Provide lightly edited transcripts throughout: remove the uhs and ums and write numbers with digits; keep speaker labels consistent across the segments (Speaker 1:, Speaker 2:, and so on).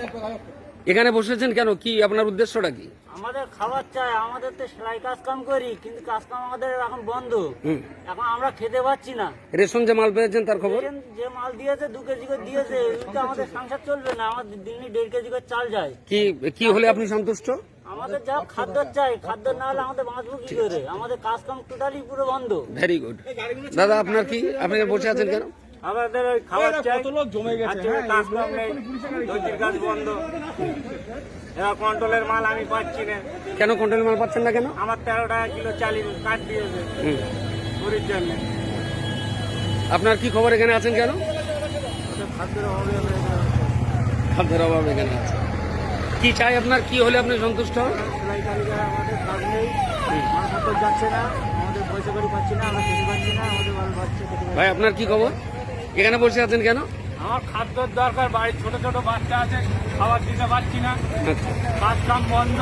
Speaker 1: এখানে বসেছেন কেন, কি আপনার উদ্দেশ্যটা কি?
Speaker 2: আমাদের খাবার চাই, আমাদের তো সেলাই কাজ কাম করি, কিন্তু কাজ কাম আমাদের এখন বন্ধ। এখন আমরা খেতে পাচ্ছি না।
Speaker 1: রেশন যে মাল পেয়েছেন তার খবর?
Speaker 2: যে মাল দিয়েছে 2 কেজি করে দিয়েছে, কিন্তু আমাদের সংসার চলবে না। আমাদের দিনে 1.5 কেজি করে চাল যায়।
Speaker 1: কি হলে আপনি সন্তুষ্ট?
Speaker 2: আমাদের যা খাদ্য চাই, খাদ্য না হলে আমাদের বাঁচবো কি করে? আমাদের কাজ কাম টোটালি পুরো বন্ধ।
Speaker 1: Very good. দাদা আপনার কি, আপনি বসে আছেন কেন?
Speaker 2: আমাদের ওই খাবার চাই, জমে গেছে, কাজ কাম নেই, দর্জির কাজ বন্ধ। এবার কন্ট্রোলের মাল আমি পাচ্ছি না।
Speaker 1: কেন কন্ট্রোলের মাল পাচ্ছেন না কেন?
Speaker 2: আমার 13 টাকা কিলো চালিয়ে কাট দিয়েছে গরিব জন্য।
Speaker 1: আপনার কি খবর, এখানে আছেন কেন? খাদ্যের অভাবে এখানে আছে। কি চাই আপনার, কি হলে আপনি সন্তুষ্ট হন?
Speaker 2: সেলাই কারিগর আমাদের কাজ নেই, মালপত্র যাচ্ছে না, আমাদের পয়সা করি পাচ্ছি না, আমরা খেতে পাচ্ছি না, আমাদের মাল পাচ্ছে।
Speaker 1: ভাই আপনার কি খবর, এখানে বসে আছেন কেন?
Speaker 2: আমার খাদ্যর দরকার, বাড়ির ছোট ছোট বাচ্চা আছে, খাবার দিতে পারছি না, কাজ কাম বন্ধ।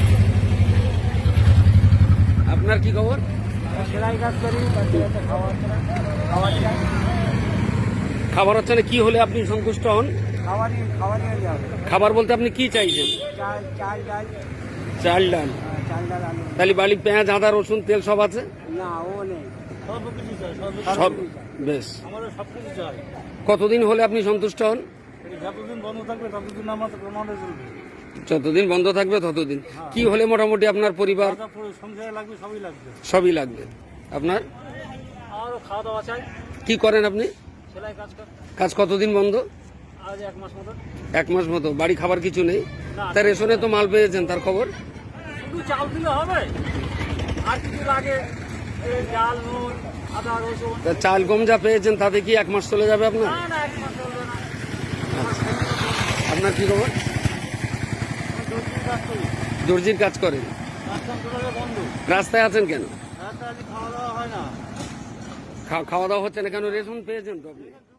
Speaker 1: আপনার কি খবর?
Speaker 2: সেলাই কাজ করি, বাচ্চা খাওয়া হচ্ছে না, খাবার চাই।
Speaker 1: খাবার হচ্ছে না, কি হলে আপনি সন্তুষ্ট হন?
Speaker 2: খাবারই যাবে।
Speaker 1: খাবার বলতে আপনি কি চাইছেন?
Speaker 2: চাল ডাল।
Speaker 1: চাল ডাল।
Speaker 2: চাল ডাল আলু।
Speaker 1: তাহলে বাড়ি পেঁয়াজ আদা রসুন তেল সব আছে?
Speaker 2: না, ও নেই। সব কিছু চাই,
Speaker 1: সব বেশ।
Speaker 2: আমাদের সব কিছু চাই।
Speaker 1: কতদিন হলে আপনি সন্তুষ্ট হন?
Speaker 2: যতদিন বন্ধ থাকবে ততদিন আমাদের চলবে।
Speaker 1: যতদিন বন্ধ থাকবে ততদিন। কি হলে মোটামুটি আপনার পরিবার?
Speaker 2: সংসারে লাগবে, সবই লাগবে।
Speaker 1: সবই লাগবে। আপনার?
Speaker 2: আমারও খাওয়া দাওয়া চাই।
Speaker 1: কি করেন আপনি?
Speaker 2: সেলাই কাজ কর।
Speaker 1: কাজ কতদিন বন্ধ?
Speaker 2: আজ 1 মাস মতো।
Speaker 1: 1 মাস মতো। বাড়ি খাবার কিছু নেই?
Speaker 2: না।
Speaker 1: তার রেশনে তো মাল পেয়েছেন, তার খবর?
Speaker 2: শুধু চাল দিলে হবে, আর কিছু লাগে? ডাল, নুন, আদা রসুন।
Speaker 1: তা চাল গম যা পেয়েছেন তাতে কি 1 মাস চলে যাবে আপনার?
Speaker 2: না না, 1 মাস চলবে না।
Speaker 1: আপনার কি খবর? দর্জির কাজ করেন?
Speaker 2: বন্ধ।
Speaker 1: রাস্তায় আছেন কেন?
Speaker 2: রাস্তায় খাওয়া দাওয়া হয় না।
Speaker 1: খাওয়া দাওয়া হচ্ছে না কেন? রেশন পেয়েছেন তো আপনি?